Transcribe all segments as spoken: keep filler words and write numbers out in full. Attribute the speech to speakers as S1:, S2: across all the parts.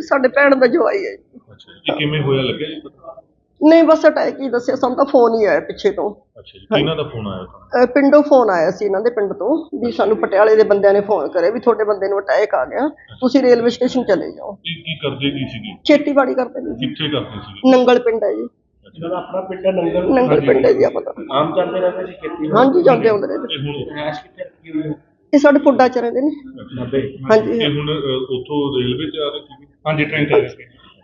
S1: ਸਾਡੇ ਭੈਣ ਦਾ ਜਵਾਈ ਹੈ ਜੀ।
S2: ਅੱਛਾ ਜੀ, ਕਿਵੇਂ ਹੋਇਆ ਲੱਗਿਆ ਜੀ ਪਤਾ?
S1: ਨਹੀਂ ਬਸ ਅਟੈਕ ਹੀ ਦੱਸਿਆ ਸਾਨੂੰ ਤਾਂ, ਫੋਨ ਹੀ ਆਇਆ ਪਿੱਛੇ ਤੋਂ।
S2: ਅੱਛਾ ਜੀ, ਕਿਹਨਾਂ ਦਾ ਫੋਨ ਆਇਆ ਤੁਹਾਨੂੰ?
S1: ਅਹ ਪਿੰਡੋਂ ਫੋਨ ਆਇਆ ਸੀ, ਇਹਨਾਂ ਦੇ ਪਿੰਡ ਤੋਂ, ਵੀ ਸਾਨੂੰ ਪਟਿਆਲੇ ਦੇ ਬੰਦਿਆਂ ਨੇ ਫੋਨ ਕਰਿਆ ਵੀ ਤੁਹਾਡੇ ਬੰਦੇ ਨੂੰ ਅਟੈਕ ਆ ਗਿਆ, ਤੁਸੀਂ ਰੇਲਵੇ ਸਟੇਸ਼ਨ ਚਲੇ ਜਾਓ।
S2: ਕੀ ਕੀ ਕਰਦੇ ਕੀ ਸੀਗੇ?
S1: ਖੇਤੀਬਾੜੀ ਕਰਦੇ ਨੇ ਜੀ।
S2: ਕਿੱਥੇ ਕਰਦੇ ਸੀਗੇ?
S1: ਨੰਗਲ ਪਿੰਡ ਹੈ ਜੀ।
S3: ਇਹਨਾਂ ਦਾ ਆਪਣਾ ਪਿੰਡ ਹੈ ਨੰਗਲ।
S1: ਨੰਗਲ ਪਿੰਡ ਹੈ ਜੀ ਆਪਣਾ।
S3: ਆਮ ਚੱਲਦੇ ਰਹਿੰਦੇ ਸੀ ਖੇਤੀ?
S1: ਹਾਂਜੀ ਜਾਂਦੇ ਆਉਂਦੇ ਨੇ।
S2: ਤੇ ਹੁਣ
S3: ਰਹਿਸ਼ ਕਿੱਥੇ ਰੱਖੀ ਹੋਈ ਹੈ?
S1: ਇਹ ਸਾਡੇ ਪੁੱਡਾ ਚ ਰਹਿੰਦੇ ਨੇ।
S3: ਨੱਬੇ।
S1: ਹਾਂਜੀ
S2: ਤੇ ਹੁਣ ਅਹ, ਉੱਥੋਂ ਰੇਲਵੇ ਤੇ ਆ ਰਹੇ ਸੀਗੇ? ਹਾਂਜੀ, ਟ੍ਰੇਨ ਤੇ ਆ ਰਹੇ ਸੀ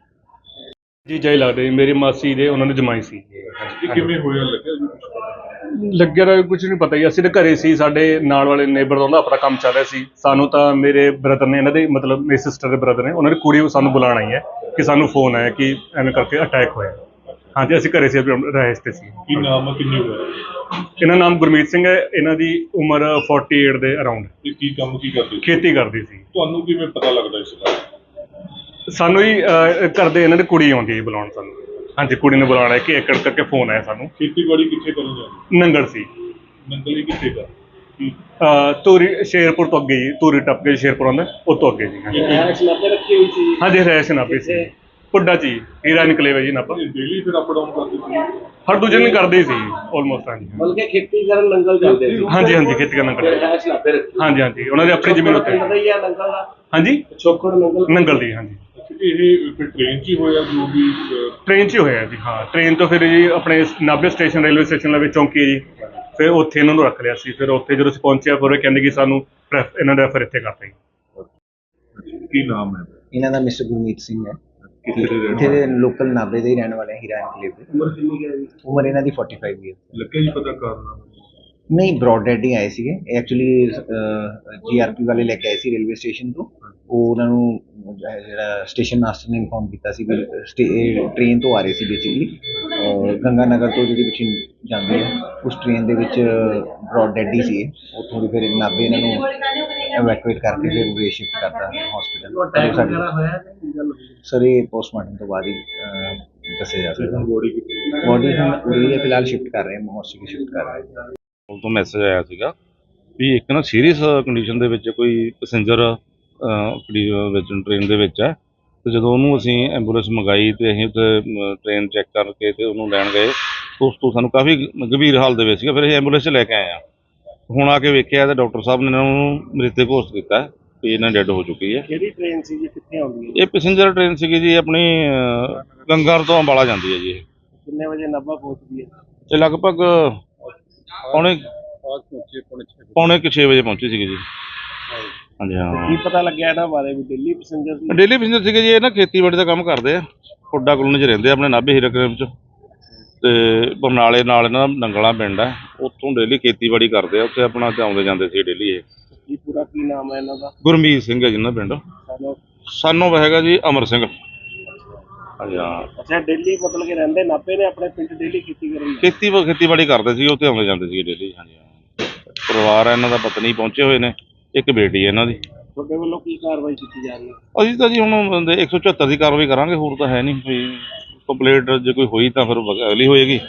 S4: ਜੀ। ਜਾਈ ਲੱਗਦਾ ਜੀ, ਮੇਰੀ ਮਾਸੀ ਦੇ ਉਹਨਾਂ ਨੇ ਜਮਾਈ ਸੀ।
S2: ਇਹ ਕਿਵੇਂ ਹੋਇਆ ਲੱਗਿਆ ਜੀ?
S4: ਲੱਗਿਆ ਤਾਂ ਕੁਝ ਨਹੀਂ ਪਤਾ ਜੀ, ਅਸੀਂ ਤਾਂ ਘਰੇ ਸੀ, ਸਾਡੇ ਨਾਲ ਵਾਲੇ ਨੇਬਰ ਦਾ ਆਪਣਾ ਕੰਮ ਚੱਲ ਰਿਹਾ ਸੀ। ਸਾਨੂੰ ਤਾਂ ਮੇਰੇ ਬ੍ਰਦਰ ਨੇ, ਇਹਨਾਂ ਦੇ ਮਤਲਬ ਮੇਰੇ ਸਿਸਟਰ ਦੇ ਬ੍ਰਦਰ ਨੇ, ਉਹਨਾਂ ਦੀ ਕੁੜੀ ਸਾਨੂੰ ਬੁਲਾਉਣ ਆਈ ਹੈ ਕਿ ਸਾਨੂੰ ਫੋਨ ਆਇਆ ਕਿ ਐਵੇਂ ਕਰਕੇ ਅਟੈਕ ਹੋਇਆ। ਹਾਂਜੀ, ਅਸੀਂ ਘਰੇ ਸੀ, ਰਹਿਸ਼ ਤੇ ਸੀ।
S2: ਕੀ ਨਾਮ ਹੈ, ਕਿੰਨੇ ਹੋਇਆ?
S4: ਇਹਨਾਂ ਨਾਮ ਗੁਰਮੀਤ ਸਿੰਘ ਹੈ, ਇਹਨਾਂ ਦੀ ਉਮਰ ਅੜਤਾਲੀ ਦੇ ਅਰਾਊਂਡ।
S2: ਤੇ ਕੀ ਕੰਮ ਕੀ ਕਰਦੇ ਸੀ?
S4: ਖੇਤੀ ਕਰਦੀ ਸੀ।
S2: ਤੁਹਾਨੂੰ ਕਿਵੇਂ ਪਤਾ ਲੱਗਦਾ ਇਸ ਬਾਰੇ?
S4: ਸਾਨੂੰ ਹੀ ਅਹ, ਕਰਦੇ ਇਹਨਾਂ ਦੀ ਕੁੜੀ ਆਉਂਦੀ ਹੈ ਬੁਲਾਉਣ ਸਾਨੂੰ। ਹਾਂਜੀ, ਕੁੜੀ ਨੇ ਬੁਲਾਉਣਾ ਕਿ ਏਕੜ ਕਰਕੇ ਫੋਨ ਆਇਆ ਸਾਨੂੰ।
S2: ਖੇਤੀਬਾੜੀ ਕਿੱਥੇ ਕਰਨ ਜਾਂਦੇ?
S4: ਨੰਗਲ ਸੀ।
S2: ਨੰਗਲੀ ਕਿੱਥੇ ਕਰ? ਕੀ
S4: ਅਹ, ਧੂਰੀ ਸ਼ੇਰਪੁਰ ਤੋਂ ਅੱਗੇ ਜੀ, ਧੂਰੀ ਟੱਪ ਕੇ ਸ਼ੇਰਪੁਰ ਆਉਂਦਾ, ਉਹ ਤੋਂ ਅੱਗੇ ਜੀ। ਹਾਂਜੀ
S3: ਰਹਿਸ਼ ਨੱਬੇ ਰੱਖੀ ਹੋਈ ਸੀ?
S4: ਹਾਂਜੀ, ਰਹਿਸ਼ ਨਾਭੇ ਸੀ, ਪੁੱਡਾ ਜੀ, ਹੀਰਾ ਨਿਕਲੇਵਾ ਜੀ ਨਾਭਾ।
S2: ਡੇਲੀ ਫਿਰ ਅਪ ਡਾਊਨ ਕਰਦੇ ਸੀ?
S4: ਹਰ ਦੂਜੇ ਦਿਨ ਕਰਦੇ ਹੀ ਸੀ ਆਲਮੋਸਟ। ਹਾਂਜੀ
S3: ਬਲਕਿ ਖੇਤੀ ਕਰਨ ਨੰਗਲ ਜਾਂਦੇ ਸੀ?
S4: ਹਾਂਜੀ ਹਾਂਜੀ, ਖੇਤੀ ਕਰਨਾ ਕਰਦੇ।
S3: ਰਹਿਸ਼ ਨੱਬੇ ਰੱਖੀ?
S4: ਹਾਂਜੀ ਹਾਂਜੀ, ਉਹਨਾਂ ਦੀ ਆਪਣੀ ਜ਼ਮੀਨ ਉੱਤੇ।
S3: ਪਿੰਡ ਦਾ ਹੀ ਹੈ ਨੰਗਲ ਦਾ?
S4: ਹਾਂਜੀ,
S3: ਛੋਕੜ ਨੰਗਲ
S4: ਨੰਗਲ ਦੀ। ਹਾਂਜੀ,
S2: ਇਹ ਫਿਰ ਟ੍ਰੇਨ 'ਚ ਹੀ ਹੋਇਆ ਜੋ ਵੀ?
S4: ਟ੍ਰੇਨ 'ਚ ਹੀ ਹੋਇਆ ਜੀ। ਹਾਂ, ਟ੍ਰੇਨ ਤੋਂ ਫਿਰ ਜੀ ਆਪਣੇ ਨਾਭੇ ਸਟੇਸ਼ਨ, ਰੇਲਵੇ ਸਟੇਸ਼ਨ ਦੇ ਵਿੱਚ ਚੌਂਕੀ ਹੈ ਜੀ, ਫਿਰ ਉੱਥੇ ਇਹਨਾਂ ਨੂੰ ਰੱਖ ਲਿਆ ਸੀ। ਫਿਰ ਉੱਥੇ ਜਦੋਂ ਅਸੀਂ ਪਹੁੰਚਿਆ, ਫਿਰ ਉਹ ਕਹਿੰਦੇ ਕਿ ਸਾਨੂੰ ਰੈਫ- ਇਹਨਾਂ ਦਾ ਰੈਫਰ ਇੱਥੇ ਕਰਤਾ ਜੀ।
S2: ਕੀ ਨਾਮ ਹੈ?
S5: ਇਹਨਾਂ ਦਾ ਮਿਸਟਰ ਗੁਰਮੀਤ ਸਿੰਘ ਹੈ।
S2: ਕਿੱਥੇ ਦੇ ਰਹਿਣ
S5: ਇੱਥੇ
S2: ਵਾਲੇ?
S5: ਦੇ ਲੋਕਲ ਨਾਭੇ ਦੇ ਹੀ ਰਹਿਣ ਵਾਲੇ ਹੀਰਾ ਐਨਕਲੇਵ ਦੇ।
S3: ਉਮਰ ਕਿੰਨੀ ਹੈ ਜੀ?
S5: ਉਮਰ ਇਹਨਾਂ ਦੀ ਪੈਂਤਾਲੀ ਈਅਰ।
S2: ਲੱਗਿਆ ਜੀ ਪਤਾ ਕਾਰਨ?
S5: ਨਹੀਂ, ਬ੍ਰੌਡ ਡੈਡ ਹੀ ਆਏ ਸੀਗੇ ਐਕਚੁਅਲੀ। ਜੀਆਰਪੀ ਵਾਲੇ ਲੈ ਕੇ ਆਏ ਸੀ ਰੇਲਵੇ ਸਟੇਸ਼ਨ ਤੋਂ। ਉਹ ਉਹਨਾਂ ਨੂੰ ਜਿਹੜਾ ਸਟੇਸ਼ਨ ਮਾਸਟਰ ਨੇ ਇਨਫੋਰਮ ਕੀਤਾ ਸੀ ਵੀ ਟ੍ਰੇਨ ਤੋਂ ਆ ਰਹੇ ਸੀ ਬੇਸਿਕਲੀ, ਗੰਗਾ ਨਗਰ ਤੋਂ ਜਿਹੜੀ ਪਿੱਛੇ ਜਾਂਦੀ ਹੈ, ਉਸ ਟ੍ਰੇਨ ਦੇ ਵਿੱਚ ਬ੍ਰੌਡ ਡੈਡ ਹੀ ਸੀ। ਉੱਥੋਂ ਦੀ ਫਿਰ ਨਾਭੇ ਇਹਨਾਂ ਨੂੰ ਐਵੈਕੂਏਟ ਕਰਕੇ ਫਿਰ ਉਰੇ ਸ਼ਿਫਟ ਕਰਤਾ
S3: ਅਟੈਕ ਵਗੈਰਾ
S5: ਹਸਪੀਟਲ।
S3: ਹੋਇਆ ਕਿ ਗੱਲ ਹੋਈ?
S5: ਸਰ ਇਹ ਪੋਸਟਮਾਰਟਮ ਤੋਂ ਬਾਅਦ ਹੀ ਅਹ, ਦੱਸਿਆ ਜਾ ਸਕਦਾ।
S2: ਬੋਡੀ ਕਿੱਥੇ?
S5: ਬੋਡੀ ਹੁਣ ਉਰੇ ਫਿਲਹਾਲ ਸ਼ਿਫਟ ਕਰ ਰਹੇ ਹਾਂ, ਮੋਰਚਰੀ ਸ਼ਿਫਟ ਕਰ ਰਹੇ ਹਾਂ।
S6: ਕੋਲ ਤੋਂ ਮੈਸੇਜ ਆਇਆ ਸੀਗਾ ਵੀ ਇੱਕ ਨਾ ਸੀਰੀਅਸ ਕੰਡੀਸ਼ਨ ਦੇ ਵਿੱਚ ਕੋਈ ਪੈਸੇਂਜਰ ਵਿੱਚ ਟ੍ਰੇਨ ਦੇ ਵਿੱਚ ਹੈ, ਤੇ ਜਦੋਂ ਉਹਨੂੰ ਅਸੀਂ ਐਂਬੂਲੈਂਸ ਮੰਗਾਈ ਤੇ ਅਸੀਂ ਉੱਥੇ ਟ੍ਰੇਨ ਚੈੱਕ ਕਰਕੇ ਤੇ ਉਹਨੂੰ ਲੈਣ ਗਏ, ਉਸ ਤੋਂ ਸਾਨੂੰ ਕਾਫੀ ਗੰਭੀਰ ਹਾਲਤ ਦੇ ਵਿੱਚ ਸੀਗਾ। ਫਿਰ ਅਸੀਂ ਐਂਬੂਲੈਂਸ 'ਚ ਲੈ ਕੇ ਆਏ ਹਾਂ। ਹੁਣ ਆ ਕੇ ਵੇਖਿਆ ਤਾਂ ਡਾਕਟਰ ਸਾਹਿਬ ਨੇ ਇਹਨਾਂ ਨੂੰ ਮ੍ਰਿਤਕ ਘੋਸ਼ਿਤ ਕੀਤਾ ਵੀ ਇਹਨਾਂ ਡੈੱਡ ਹੋ ਚੁੱਕੀ ਹੈ।
S3: ਕਿਹੜੀ ਟ੍ਰੇਨ ਸੀ ਜੀ, ਕਿੱਥੇ ਆਉਂਦੀ ਹੈ?
S6: ਇਹ ਪੈਸੇਂਜਰ ਟ੍ਰੇਨ ਸੀਗੀ ਜੀ, ਆਪਣੀ ਅਹ, ਗੰਗਾਰ ਤੋਂ ਅੰਬਾਲਾ ਜਾਂਦੀ ਹੈ ਜੀ। ਇਹ
S3: ਕਿੰਨੇ ਵਜੇ ਨਾਭਾ ਪਹੁੰਚਦੀ ਹੈ?
S6: ਇਹ ਲਗਭਗ ਪੌਣੇ ਪੌਣੇ ਕੁ ਛੇ ਵਜੇ ਪਹੁੰਚੀ ਸੀਗੀ ਜੀ। ਹਾਂਜੀ ਹਾਂ।
S3: ਕੀ ਪਤਾ ਲੱਗਿਆ ਇਹਨਾਂ ਬਾਰੇ ਵੀ ਦਿੱਲੀ ਪੈਸੇਂਜਰ ਸੀ?
S6: ਡੇਲੀ ਪੈਸੇਂਜਰ ਸੀਗੇ ਜੀ। ਇਹ ਨਾ ਖੇਤੀਬਾੜੀ ਦਾ ਕੰਮ ਕਰਦੇ ਆ, ਪੁੱਡਾ ਕਲੋਨੀ 'ਚ ਰਹਿੰਦੇ ਆ, ਆਪਣੇ ਨਾਭੇ ਹੀਰਾ ਕਲੇਮ 'ਚ। ਤੇ ਬਰਨਾਲੇ ਨਾਲ ਇਹਨਾਂ ਦਾ ਨੰਗਲਾ ਪਿੰਡ ਹੈ, ਉੱਥੋਂ ਡੇਲੀ ਖੇਤੀਬਾੜੀ ਕਰਦੇ ਆ, ਉੱਥੇ ਆਪਣਾ ਤੇ ਆਉਂਦੇ ਜਾਂਦੇ ਸੀ ਡੇਲੀ। ਇਹ
S3: ਕੀ ਪੂਰਾ ਕੀ ਨਾਮ ਹੈ ਇਹਨਾਂ ਦਾ?
S6: ਗੁਰਮੀਤ ਸਿੰਘ ਹੈ ਜਿਹਨਾਂ ਪਿੰਡ।
S3: ਸਾਨੂੰ
S6: ਸਾਨੂੰ ਹੈਗਾ ਜੀ ਅਮਰ ਸਿੰਘ। ਹਾਂਜੀ ਹਾਂ।
S3: ਅੱਛਾ, ਦਿੱਲੀ ਮਤਲਬ ਕਿ ਰਹਿੰਦੇ ਨਾਭੇ ਨੇ, ਆਪਣੇ ਪਿੰਡ ਡੇਲੀ ਖੇਤੀ ਕਰਨ ਦੀ?
S6: ਖੇਤੀ ਖੇਤੀਬਾੜੀ ਕਰਦੇ ਸੀ, ਉੱਥੇ ਆਉਂਦੇ ਜਾਂਦੇ ਸੀ ਡੇਲੀ। ਹਾਂਜੀ ਹਾਂ। ਪਰਿਵਾਰ ਹੈ ਇਹਨਾਂ ਦਾ, ਪਤਨੀ ਪਹੁੰਚੇ ਹੋਏ ਨੇ, ਇੱਕ ਬੇਟੀ ਹੈ ਇਹਨਾਂ ਦੀ।
S3: ਤੁਹਾਡੇ ਵੱਲੋਂ ਕੀ ਕਾਰਵਾਈ ਕੀਤੀ ਜਾ ਰਹੀ ਹੈ?
S6: ਅਸੀਂ ਤਾਂ ਜੀ ਹੁਣ ਇੱਕ ਸੌ ਚੁਹੱਤਰ ਦੀ ਕਾਰਵਾਈ ਕਰਾਂਗੇ, ਹੋਰ ਤਾਂ ਹੈ ਨਹੀਂ ਕੋਈ। ਕੰਪਲੇਂਟ ਜੇ ਕੋਈ ਹੋਈ ਤਾਂ ਫਿਰ ਅਗਲੀ ਹੋਏਗੀ।